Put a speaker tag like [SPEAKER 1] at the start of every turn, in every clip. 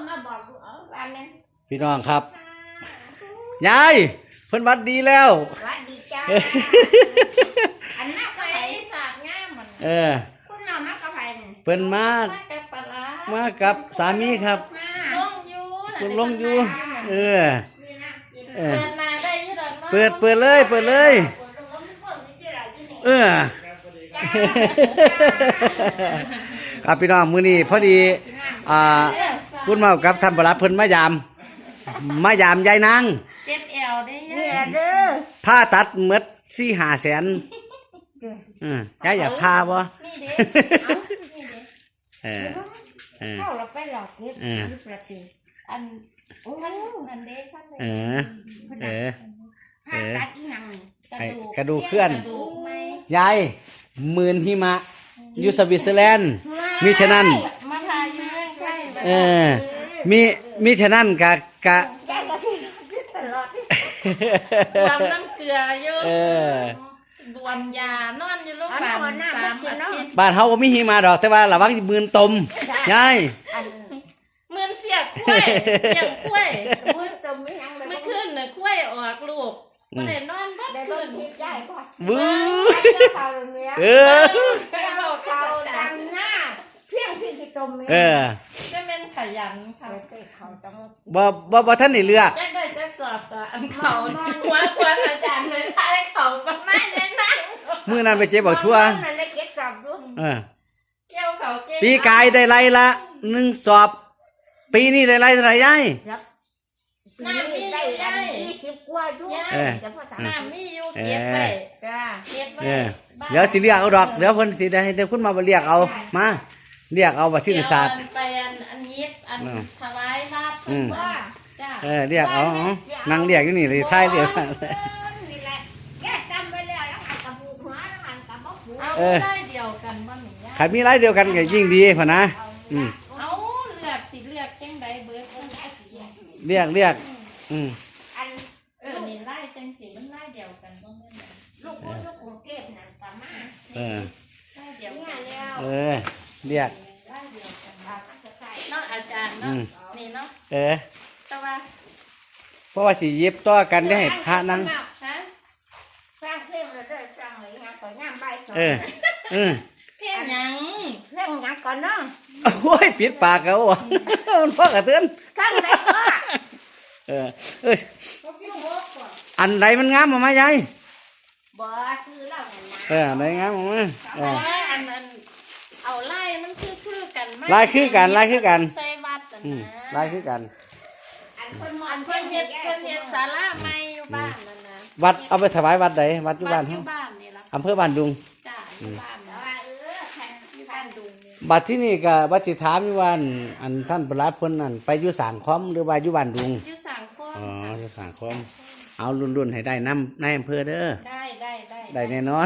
[SPEAKER 1] มาบอกว่าแม่
[SPEAKER 2] พี่น้องครับยายเพิ่นวัดดีแล้ว
[SPEAKER 1] วัดดีจ้าอันน่าใส่สากง่ามมันคุณน้องมากระไผ่
[SPEAKER 2] เพิ่นมากับสามีครับลงอยู่เปิดนาได้ยี่ดอกเปิดเลยครับพี่น้องมื้อนี้พอดีคุณเมากับท่านประหลัดเพิ่นมายามยายนาง
[SPEAKER 1] เจ็บแอวได้เด้อ
[SPEAKER 2] ผ้าตัดหมด4-5 แสนยายอยากพาบ่
[SPEAKER 1] นี่เด้เข้าเราไปหลอกเก็บประตูอันอันเด้ท่านตัดอีหยัง
[SPEAKER 2] กระดูกเคลื่อนยายหมื่นหิมะอยู่สวิตเซอร์แลนด์มิฉะนั้น
[SPEAKER 1] มาทาอยู่เมืองไทย
[SPEAKER 2] มิฉะนั้นกะ
[SPEAKER 1] บวมน้ำเกลืออยู่บวมยานอนอยู่โรงพยาบาล3 อาทิตย์
[SPEAKER 2] บ้านเฮาบ่มีหิมะดอกแต่ว่าระวังหมื่นตมยาย
[SPEAKER 1] หมื่นเสียกล้วยอย่างกล้วยหมื่นตมไม่ขึ้นน่ะกล้วยออกลูกบ่ได้นอนบ่คืน
[SPEAKER 2] บื้อ
[SPEAKER 1] เขาดังหน้าเพียงพี่ที่ตมจะเป็นขยันค่ะ
[SPEAKER 2] บ่ท่านได้เลือก
[SPEAKER 1] จักได้จักสอบก็อันเขาหัวควรอาจารย์เลยพาเขาประมาณนั้น
[SPEAKER 2] มื้อนั้นไปเจ็บบักทั่ว
[SPEAKER 1] นั่นได้เก็บสอบอยู่เกี่ยวเขาเก่ง
[SPEAKER 2] ปีกายได้ไรละ1 สอบปีนี้ได้ไรเท่าไหร่ยาย
[SPEAKER 1] น้ำมีได้20 กว่าอยู่น้ำมีอยู่เก็บไปจ้าเก็บไป
[SPEAKER 2] เดี๋ยวสิเรียกเอาดอกเดี๋ยวเพิ่นสิได้เดี๋ยวคุณมาเรียกเอามาเรียกเอาบัตรที่ศาสตร์
[SPEAKER 1] ไปอันยิบอันถวายบาตรว่า
[SPEAKER 2] จ้าเรียกเอานั่งเรียกอยู่นี่เลยท้ายเรียกสั่ง
[SPEAKER 1] แกจำไปแล้วแล้วหันกับผูกหัวแล้วหันกับบ่ผูกเอาได้เดียวกันบ่หนิ
[SPEAKER 2] ขันมีไรเดียวกันก็ยิ่งดีพ่อนะ
[SPEAKER 1] เอาเลือกสิเลือกจังใดเบิด
[SPEAKER 2] เรียกอัน
[SPEAKER 1] นี่ไล่จังสิมันไล่เดียวกันบ่แม่นลูกกรุงเทพนั่นก็มาไล่เดียวกัน
[SPEAKER 2] แล้วเรียก
[SPEAKER 1] เนาะอาจารย์เนาะนี่เนาะแต่ว่า
[SPEAKER 2] เพราะว่าสิเย็บต่อกันได้ให้พระนั่ง
[SPEAKER 1] สร้างเพลงแล้วได้สร้างอะไรฮะก่อนย่ามใบสองเพลงหยังก่อนเนาะ
[SPEAKER 2] โอ้ยปิดปากเขาอ่ะมันพ่อกระเตือน
[SPEAKER 1] ข้างไหนก็
[SPEAKER 2] อันไหนมันงามมายาย
[SPEAKER 1] บ่ซื้อแล้วนั่น
[SPEAKER 2] นะไหนงามมา
[SPEAKER 1] อันเอาไล่มันคือกัน
[SPEAKER 2] ไล่คือกัน
[SPEAKER 1] ใส่วัด
[SPEAKER 2] ไล่คือกัน
[SPEAKER 1] อันเพิ่นเฮ็ดศาลาใหม่อยู่บ้านนั่นนะ
[SPEAKER 2] วัดเอาไปถวายวัดใดวัดอยู่บ้าน
[SPEAKER 1] เฮานี่ล่ะ
[SPEAKER 2] อำเภอบ้านดุง
[SPEAKER 1] จ้าอยู่บ้านว่าอยู่บ้านดุง
[SPEAKER 2] บัดที่นี่ก็บัดสิถามอยู่ว่าอันท่านประหลัดเพิ่นนั่นไปอยู่สางคอมหรือว่าอยู่บ้านดุง
[SPEAKER 1] อยู่สางคอม
[SPEAKER 2] อยู่สางคอมเอารุ่นให้ได้น้ำในอำเภอเด้อได้แน่นอน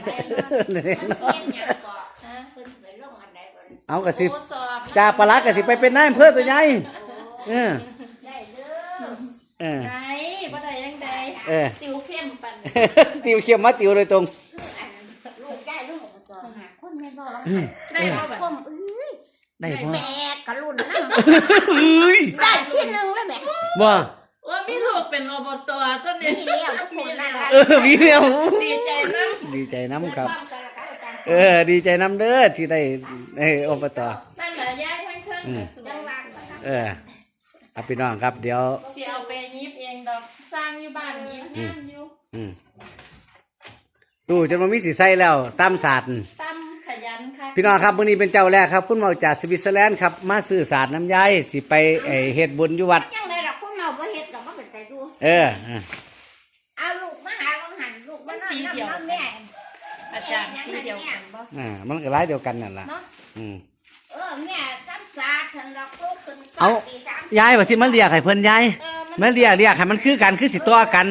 [SPEAKER 2] เอากระสิจ่าปลากระสิไปเป็นนายอำเภอตัวใหญ่
[SPEAKER 1] ได้เด้อไงบ่ได้ยังไดติวเข้มปัน
[SPEAKER 2] ติวเข้มมาติวโดยตรง
[SPEAKER 1] ลูกได้ลูกต่อหาคนไม่บ่ได้บ่แบบ
[SPEAKER 2] ได้บ่
[SPEAKER 1] แม่กะรุ่นนำได้ที่นึงเลยแม่
[SPEAKER 2] บ่
[SPEAKER 1] ว่ามีลูกเป็นอบตต้นนี้มีแล้วมี
[SPEAKER 2] แล้ว
[SPEAKER 1] ดีใจ
[SPEAKER 2] น้ำครับดีใจน้ำเด้อที่ได้อบต
[SPEAKER 1] นั่นแหละย้ายทั้งเครื่องสวย
[SPEAKER 2] พี่น้องครับเดี๋ยว
[SPEAKER 1] สิเอาไปยิบเองดอกสร้างอยู่บ้านยิบงามอยู่
[SPEAKER 2] ตู้จนมันมีสีใสแล้วตำศาสตร์
[SPEAKER 1] ตำขยันค่ะ
[SPEAKER 2] พี่น้องครับมื้อนี้เป็นเจ้าแรกครับคุณหมอจากสวิตเซอร์แลนด์ครับมาซื้อศาสตร์น้ำยายสิไปเฮ็ดบุญอยู่วัด
[SPEAKER 1] บ่เฮ็ดดอกบ่เป็นใจดูเอาลูกมาหาวังหันลูกมันสีเดียวแม่อาจารย์สีเดียวกันบ่
[SPEAKER 2] มันก็หลายเดียวกันนั่นล่ะ
[SPEAKER 1] แม่ซ้ำซาทันดอกลูกขึ้น
[SPEAKER 2] เอายายว่าที่มันเรียกให้เพิ่นยายมันเรียกให้มันคือกันคือสิต่อกัน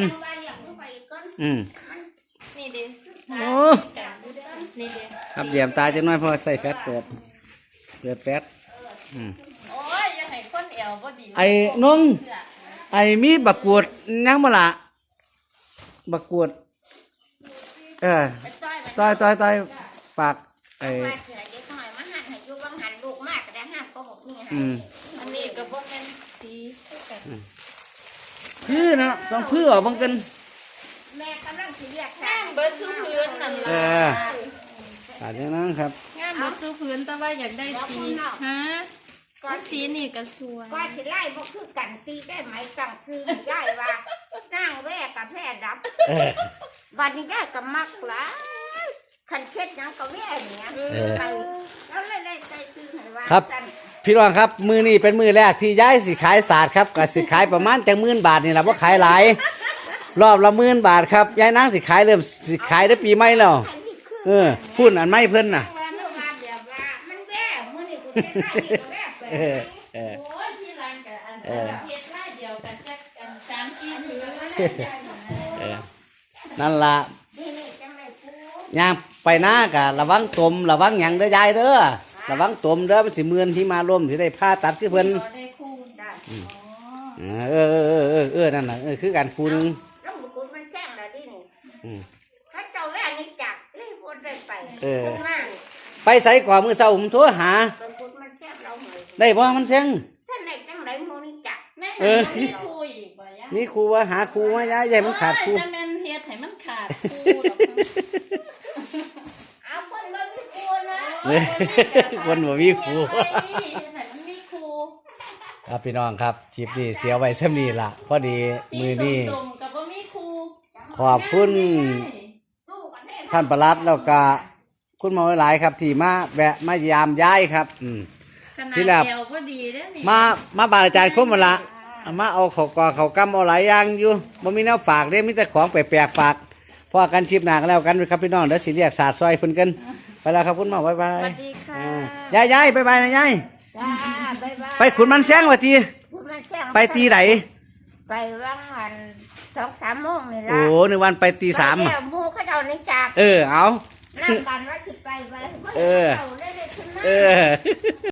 [SPEAKER 1] นี่ดิ
[SPEAKER 2] โอ้
[SPEAKER 1] นี่ดิ
[SPEAKER 2] ครับเหลี่ยมตาจังน้อยเพราะใส่แฟตเปิดแฟต
[SPEAKER 1] โอ้ยอย่าให้คนแอวบ่ดี
[SPEAKER 2] ไอ้น้องมีบักกวดยังบ่ล่ะบักกวดต้อยปาก
[SPEAKER 1] อันนี้ก็บ่แม่น
[SPEAKER 2] พื้นเนาะต้องพื้นออกบังกัน
[SPEAKER 1] แม่กำลังสิเรียก
[SPEAKER 3] งามเบิดสู้พื้นนั่น
[SPEAKER 2] เอ
[SPEAKER 3] ล่ะ
[SPEAKER 2] ออาจจะนั้นครับ
[SPEAKER 3] งามเบิดสู้พื้นแต่ว่าอยากได้สีฮะสีนี่ก็สวย
[SPEAKER 1] ก็สิไล่บ่คือกันตีได้ไหมตั้งซื้อได้ว่านั่งแว่กับแพร่ดับ
[SPEAKER 2] เออ
[SPEAKER 1] วันนี้ยายก็มักหลายคันเช็ดหยังก็แว่เนี่ยไปแล้วเลยได้ใจซื้อให้ว่า
[SPEAKER 2] ครับ พี่รองครับมือนี้เป็นมือแรกที่ย้ายสิขายศาสตร์ครับก็สิขายประมาณจัง10,000 บาทนี่แหละว่าขายหลายรอบละ10,000 บาทครับยายนางสิขายเริ่มสิขายได้ปีใหม่แล้วพูดอันไม่เพิ่นน่ะ
[SPEAKER 1] ว่าเมื่อวานแบบว่ามันแว่มื้อนี้กูเช็ดได้นี่ก็แว่ไป
[SPEAKER 2] เออเออ
[SPEAKER 3] โอ้ยที่ร้านกับอันเฮ็ดไร่เดียวกันจักกัน3-4พื้นแล้ว
[SPEAKER 2] เออนั่นล่ะ
[SPEAKER 1] นี่จังได๋กู
[SPEAKER 2] ย่างไปหน้ากะระวังตมระวังหยังเด้อยายเด้อระวังตมเด้อมันสิเมือนที่มาร่วมสิได้ผ้าตัดคือเพิ่น
[SPEAKER 3] ได้คู่ได้อ๋อ
[SPEAKER 2] นั่นน่ะคือการคูนึง
[SPEAKER 1] แล้วกูมันแซงแล้วดินี่
[SPEAKER 2] อืม
[SPEAKER 1] เขาเจ้าแว่นี่จักเลยบ่ได้ไป
[SPEAKER 2] เออ
[SPEAKER 1] มา
[SPEAKER 2] ไปใส่ก่อนมื้อเช้าผมโทรหา
[SPEAKER 1] เป็นกูมันแซงเราเหมือน
[SPEAKER 2] ได้บ่มันเซ็ง
[SPEAKER 1] ท่านไหนจังไดมื้อนี้จัก
[SPEAKER 3] แม่เห็นมีคู่อีกบ่ยะ
[SPEAKER 2] มีครูว่าหาครูมายายใหญ่มันขาดครู
[SPEAKER 3] จะแม่นเฮ็ดให้มันขาดคู่ดอก
[SPEAKER 1] เอาเพิ่นบ่มีกูนะ
[SPEAKER 2] เว้ยคนบ่มีครู
[SPEAKER 3] มันมีครู
[SPEAKER 2] ครับพี่น้องครับคลิปนี้เสียไว้ซ้ำนี้ล่ะพอดี
[SPEAKER 3] สี
[SPEAKER 2] มือนี้
[SPEAKER 3] ส้มๆกับบ่มีครู
[SPEAKER 2] ขอบคุณ
[SPEAKER 1] ตู้กันแน่
[SPEAKER 2] ท่านประหลัดแล้วก็คุณหมอหลายๆครับที่มาแวะมายามย้ายครับ
[SPEAKER 3] ขนาด
[SPEAKER 2] ที่แรก
[SPEAKER 3] เดียวก็ดีเด้อนี่
[SPEAKER 2] มาบานอาจารย์คมมาละเอามาเอาเขากอเขากำเอาหลายอย่างอยู่บ่มีแนวฝากเด้มีแต่ของแปลกๆฝากพอกันชิปหนากันแล้วกันครับพี่น้องเดี๋ยวสิเรียกศาสตร์ซอยเพิ่นกันไปแล้วครับคุณหมอบ๊ายบาย
[SPEAKER 3] สวัสดีค่ะ
[SPEAKER 2] ยายบ๊ายบายนะยาย
[SPEAKER 1] จ้าบ๊ายบาย
[SPEAKER 2] ไปขุนมันแซงว่าที
[SPEAKER 1] พูดมันแซง
[SPEAKER 2] ไปตีไหน
[SPEAKER 1] ไปว่างวัน2-3โมงนี่
[SPEAKER 2] โอ้
[SPEAKER 1] ล่ะ
[SPEAKER 2] หนึ่งวันไปตี3
[SPEAKER 1] ไป
[SPEAKER 2] อ่ะ
[SPEAKER 1] แล้วหมู่เขาเจ้านี่จัก
[SPEAKER 2] เอา
[SPEAKER 1] นั่งกันว่าสิไป
[SPEAKER 2] เออ
[SPEAKER 1] เอาได้ขึ้นมา
[SPEAKER 2] เออ